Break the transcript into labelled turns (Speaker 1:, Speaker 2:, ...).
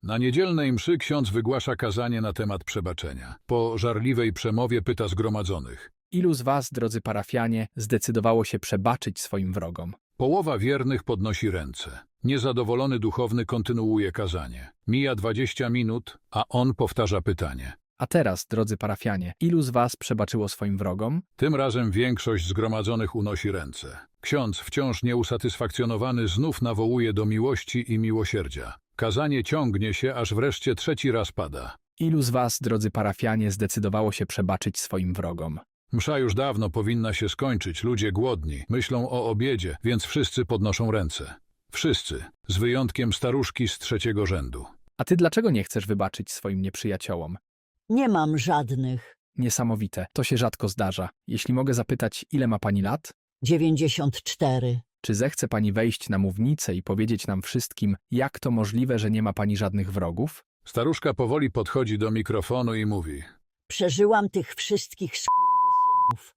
Speaker 1: Na niedzielnej mszy ksiądz wygłasza kazanie na temat przebaczenia. Po żarliwej przemowie pyta zgromadzonych.
Speaker 2: Ilu z was, drodzy parafianie, zdecydowało się przebaczyć swoim wrogom?
Speaker 1: Połowa wiernych podnosi ręce. Niezadowolony duchowny kontynuuje kazanie. Mija 20 minut, a on powtarza pytanie.
Speaker 2: A teraz, drodzy parafianie, ilu z was przebaczyło swoim wrogom?
Speaker 1: Tym razem większość zgromadzonych unosi ręce. Ksiądz, wciąż nieusatysfakcjonowany, znów nawołuje do miłości i miłosierdzia. Kazanie ciągnie się, aż wreszcie trzeci raz pada.
Speaker 2: Ilu z was, drodzy parafianie, zdecydowało się przebaczyć swoim wrogom?
Speaker 1: Msza już dawno powinna się skończyć, ludzie głodni, myślą o obiedzie, więc wszyscy podnoszą ręce. Wszyscy, z wyjątkiem staruszki z trzeciego rzędu.
Speaker 2: A ty dlaczego nie chcesz wybaczyć swoim nieprzyjaciołom?
Speaker 3: Nie mam żadnych.
Speaker 2: Niesamowite, to się rzadko zdarza. Jeśli mogę zapytać, ile ma pani lat?
Speaker 3: 94.
Speaker 2: Czy zechce pani wejść na mównicę i powiedzieć nam wszystkim, jak to możliwe, że nie ma pani żadnych wrogów?
Speaker 1: Staruszka powoli podchodzi do mikrofonu i mówi.
Speaker 3: Przeżyłam tych wszystkich skurwysynów.